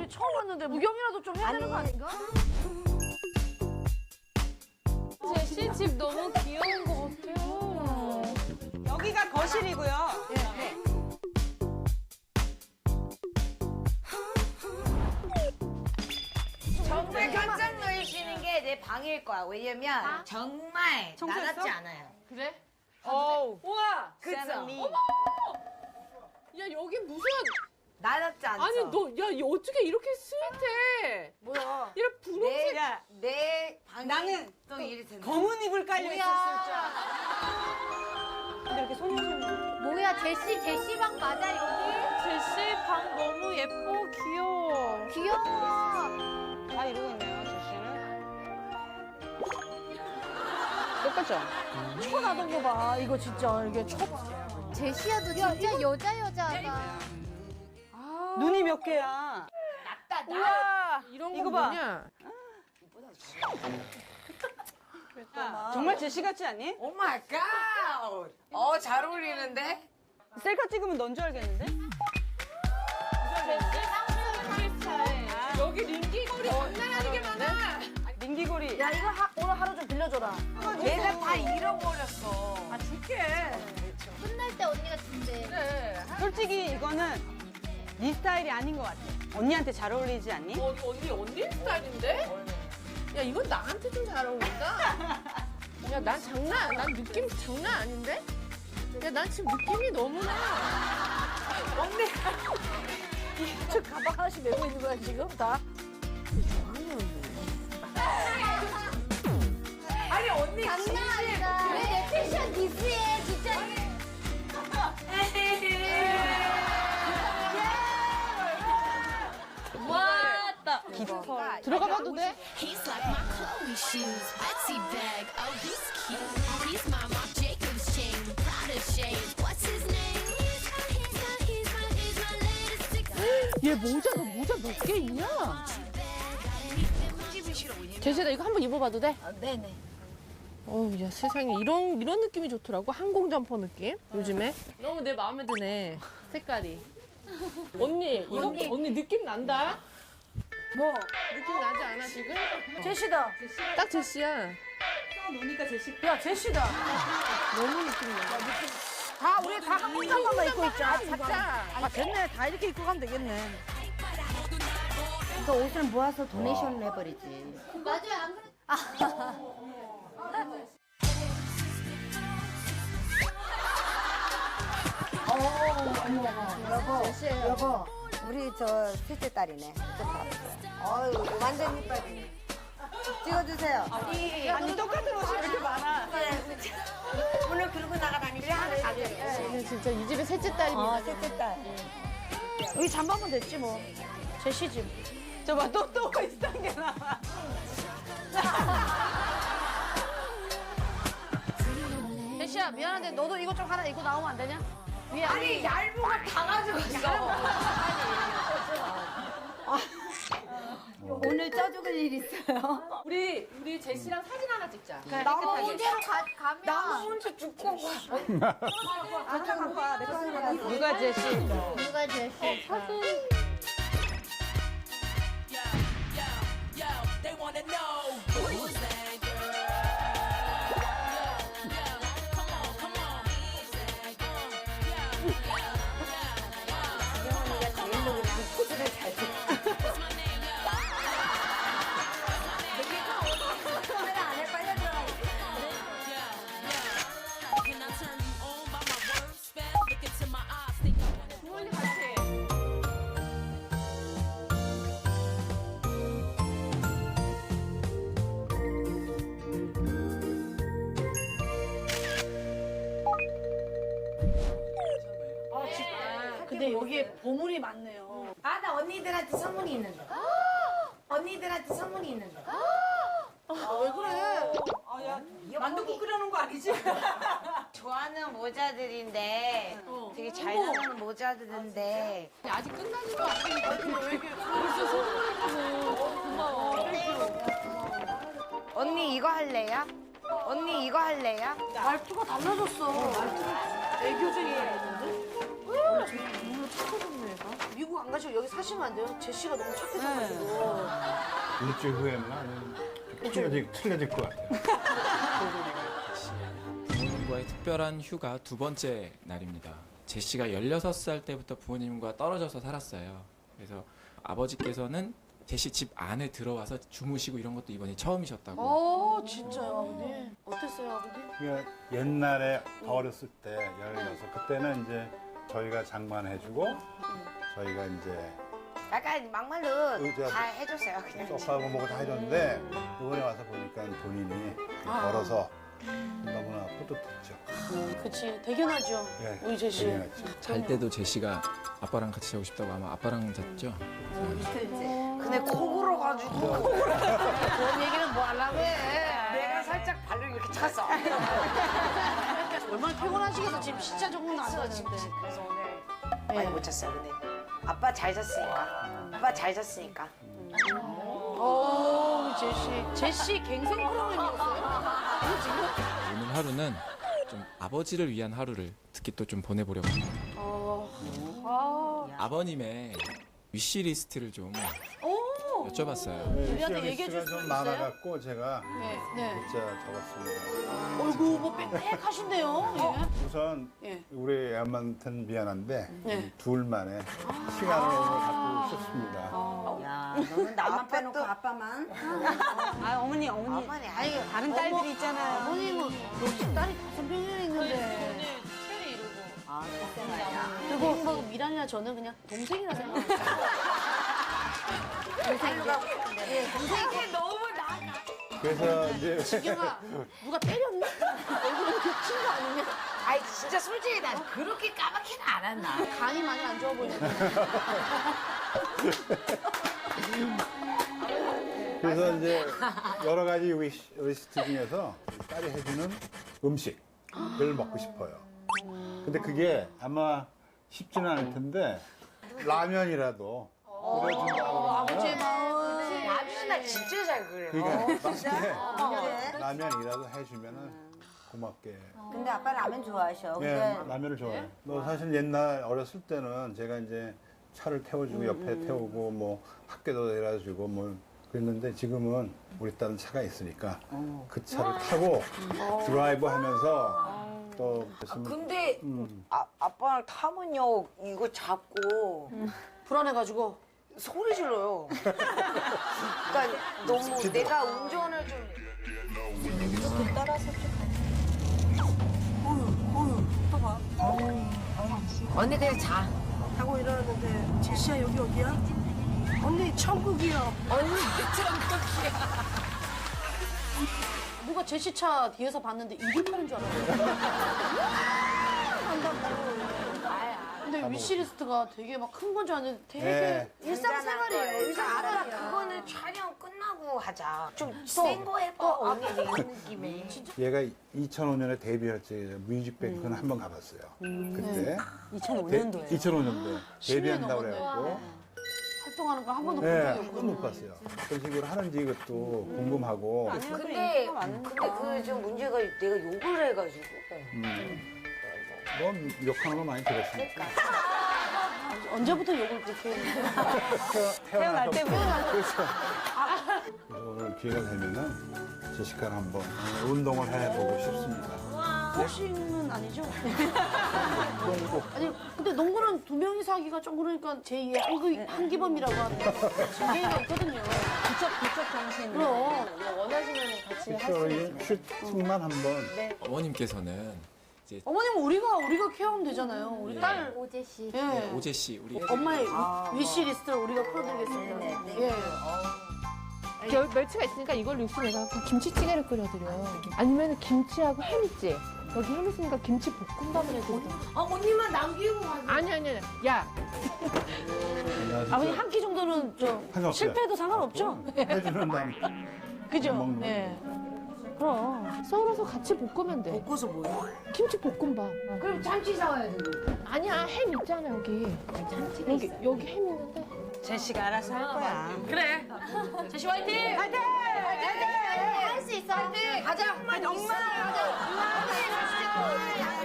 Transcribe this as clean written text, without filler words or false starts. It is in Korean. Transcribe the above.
처음 왔는데 구경이라도 좀 해야 되는 거 아닌가? 제시 집 너무 귀여운 것 같아요. 여기가 거실이고요. 네. 정말 깜짝 놀라시는 게 내 방일 거야. 왜냐면 정말 청소했어? 나답지 않아요. 그래? 어우. 우와! 그쵸? 야, 여기 무슨. 나답지 않죠? 아니, 야, 어떻게 이렇게 스윗해? 뭐야? 이런 분홍색. 내 방이 나는 또 이리 된다. 검은 이불 깔려 있었을 줄 알아. 근데 이렇게 소녀시는 뭐야, 제시 방 맞아, 여기? 제시 방 너무 예뻐, 귀여워. 귀여워. 다 이러고 있네요, 제시는. 똑같죠? 초나던 거 봐. 이거 진짜 이게 초. 제시야도 진짜 여자가. 눈이 몇 개야? 우와! 이런 거 이거 봐. 뭐냐? 야, 정말 제시 같지 않니? 오 마이 갓! 잘 어울리는데? 셀카 찍으면 넌 줄 알겠는데? 여기 링기거리 장난 아니게 많아. 민기고리. 야 이거 오늘 하루 좀 빌려줘라. 내가 다 잃어버렸어. 아 줄게. 끝날 때 언니가 준대. 그래. 솔직히 이거는 네 스타일이 아닌 것 같아. 언니한테 잘 어울리지 않니? 언니 스타일인데? 야, 이건 나한테 좀 잘 어울린다. 야, 난 느낌 장난 아닌데? 야, 난 지금 느낌이 너무나. 저 가방 하나씩 메고 있는 거야 지금 다. 아니, 언니 장난 아니다. 왜 내 패션 디스해, 진짜. 왔다. 깊어. 들어가 봐도 돼? He's like my Chloe shoes, Etsy bag. Oh, he's cute. He's my Marc Jacobs chain, Prada shades. What's his name? He's my latest fix. 얘 모자 몇 개 있냐? 제시야, 이거 한번 입어봐도 돼? 네네. 어우, 야, 세상에 이런 느낌이 좋더라고. 항공 점퍼 느낌. 요즘에. 너무 내 마음에 드네. 색깔이. 언니, 언니 느낌 난다? 뭐? 느낌 나지 않아, 지금? 제시다. 딱 제시야. 노니까 제시. 야 제시다. 너무 느낌 나. 다 우리 다 한국 잠깐만 입고 있자. 각자. 아 됐네. 다 이렇게 입고 가면 되겠네. 그 옷을 모아서 도네이션을 해버리지. 맞아요, 안 그래? 여보, 우리 저 셋째 딸이네. 어유 완전 이빨이네. 찍어주세요. 아니, 똑같은 옷이 왜 이렇게 많아? 오늘 그러고 나가다니 왜 하나 가져요? 얘는 진짜 이 집의 셋째 딸입니다. 셋째 딸. 여기 잠바면 됐지 뭐. 제시 집. 저 봐, 또 비슷한 게 나와. 제시야 미안한데 너도 이거 좀 하나 입고 나오면 안 되냐? 위에 아니, 얇은 거 다 가져갔어. 오늘 쪄죽을 일 있어요? 우리 제시랑 사진 하나 찍자. 나무 문제로 가면. 혼자 죽고 누가 제시? 누가 제시? They wanna know who was that girl? Come on. Who's that girl? 제일로 그냥 포즈를 잘 줘. Can I turn you on by my word spell? Look into my eyes, think I wanna. 근데 여기에 보물이 많네요. 아, 나 언니들한테 선물이 있는데. 언니들한테 선물이 있는데. 왜 그래? 만두국 끓여놓은 거 아니지? 좋아하는 모자들인데 되게 잘 나오는 모자들인데 아직 끝나는 거 아니니까 왜 이렇게 벌써 선물했다고. 고마워. 언니 이거 할래요? 언니 이거 할래요? 말투가 달라졌어. 애교쟁이가 있는데? 오늘 착해졌네 얘가. 미국 안 안 가시고 여기 사시면 안 돼요? 제시가 너무 착해져가지고. 일주일 후에는 아주 틀려질 것 같아요. 부모님과의 특별한 휴가 두 번째 날입니다. 제시가 16살 때부터 부모님과 떨어져서 살았어요. 그래서 아버지께서는 제시 집 안에 들어와서 주무시고 이런 것도 이번이 처음이셨다고. 진짜요, 아버님? 어땠어요, 아버님? 그러니까 옛날에 더 어렸을 때 16, 그때는 이제 저희가 장만해주고 저희가 이제 약간 막말로 의자 다 해줬어요. 그냥. 소파하고 뭐고 다 해줬는데 이번에 와서 보니까 본인이 벌어서 너무나 뿌듯했죠. 그치, 대견하죠. 네, 우리 제시. 대견했죠. 잘 때도 제시가 아빠랑 같이 자고 싶다고 아마 아빠랑 잤죠? 근데 코 골어가지고 그런 얘기는 뭐 하려고 해. 내가 살짝 발을 이렇게 찼어. 얼마나 피곤하시겠어. 지금 진짜 조금 나왔는데. 그래서 오늘 많이 못 잤어요. 근데 아빠 잘 잤으니까. 아빠 잘 잤으니까. 우리 제시. 제시 갱생 프로그램이었어요? 이거 지금? 오늘 하루는 좀 아버지를 위한 하루를 특히 또 좀 보내보려고 합니다. 아버님의 위시리스트를 좀 여쭤봤어요. 우리한테 얘기해 줄 수 좀 있어요? 많아갖고 제가 네. 문자 적었습니다. 어이구, 뭐 빽빽하신데요? 예. 우선 예. 우리 애한테는 미안한데 네. 둘만의 시간을 오늘 갖고 싶습니다. 야, 너는 나만 빼놓고 아빠만. 아, 어머니. 어머니, 아니, 다른 딸들이 있잖아요. 어머님은 역시 딸이 5명이나 있는데. 아, 글쎄 말이야. 그리고 뭐 미란이나 저는 그냥 동생이라 생각해요. 동생이 너무 나. 그래서 이제 지경아, 누가 때렸나? 얼굴에 겹친 거 아니냐? 아이, 진짜 솔직히 난 그렇게 까맣게는 안 한다. 간이 많이 안 좋아 보이는데. 그래서 이제 여러 가지 리스트 중에서 딸이 해주는 음식을 먹고 싶어요. 근데 그게 아마 쉽지는 않을 텐데 라면이라도 끓여준다고 아버지의 그러면 마음. 라면 나 진짜 잘 그려. 그러니까 맛있게 라면이라도 해주면은 고맙게. 근데 아빠 라면 좋아하셔. 예, 라면을 좋아해요. 뭐 사실 옛날 어렸을 때는 제가 이제 차를 태워주고 옆에 태우고 뭐 학교도 데려주고 뭐 그랬는데 지금은 우리 딸은 차가 있으니까 그 차를 타고 드라이브 하면서 또 근데 아빠랑 타면요 이거 잡고 불안해가지고. 소리 질러요. 그러니까 너무 내가 운전을 좀 언니 그냥 자. 하고 일어났는데 제시야 여기 어디야? 언니 천국이야. 언니 천국이야. 누가 제시차 뒤에서 봤는데 이를 파는 줄 알았어요. 한다고. 근데 위시리스트가 되게 막 큰 건 줄 알았는데 되게 네. 일상생활이에요. 그러니까 아빠 일상생활이야. 그거는 촬영 끝나고 하자. 좀 센 거 해봐. 언니 이런 느낌에. 얘가 2005년에 데뷔할 때 뮤직뱅크는 한 번 가봤어요. 그때 2005년도에. 2005년도에 데뷔한다고 넘었네. 그래갖고 활동하는 거 한 번도 본 네, 적이 한 없거든요. 번도 못 봤어요. 어떤 식으로 하는지 이것도 궁금하고 근데 그 좀 문제가 내가 욕을 해가지고. 뭐 욕하는 거 많이 들었으니까. 언제부터 욕을 그렇게 했는데? 태어날 때부터. 그래서 오늘 기회가 되면은 제시카랑 한번 운동을 해보고 싶습니다. 복싱은 아니죠? 아니 근데 농구는 두 명이서 하기가 좀 그러니까 제2의 한기범이라고 하는 진계가 있거든요. 부쩍 정신. 그럼 원하시면 같이 그래서 슈팅만 한번. 어머님께서는 이제 어머님은 우리가 케어하면 되잖아요. 우리 딸 오제 씨. 예. 오제 씨 우리 엄마의 위시리스트를 우리가 풀어드리겠습니다. 예. 멸치가 있으니까 이걸 육수 내가 그냥 김치찌개를 끓여드려. 아니면 김치하고 햄 있지? 여기 햄 있으니까 김치 볶음밥을 해드려. 언니만 남기고 가세요. 아니. 야, 아버님 한 끼 정도는 좀 상관없어요. 실패해도 상관없죠? 해주는 남. 그죠? 먹는 예. 그럼 썰어서 같이 볶으면 돼. 볶아서 뭐야? 김치 볶음밥. 그럼 참치 사와야 되는 아니야, 햄 있잖아 여기. 여기 햄 있는데. 제시가 알아서 할 거야. 그래. 제시 화이팅! 화이팅! 할 수 있어. 가자. 엄마. 가자.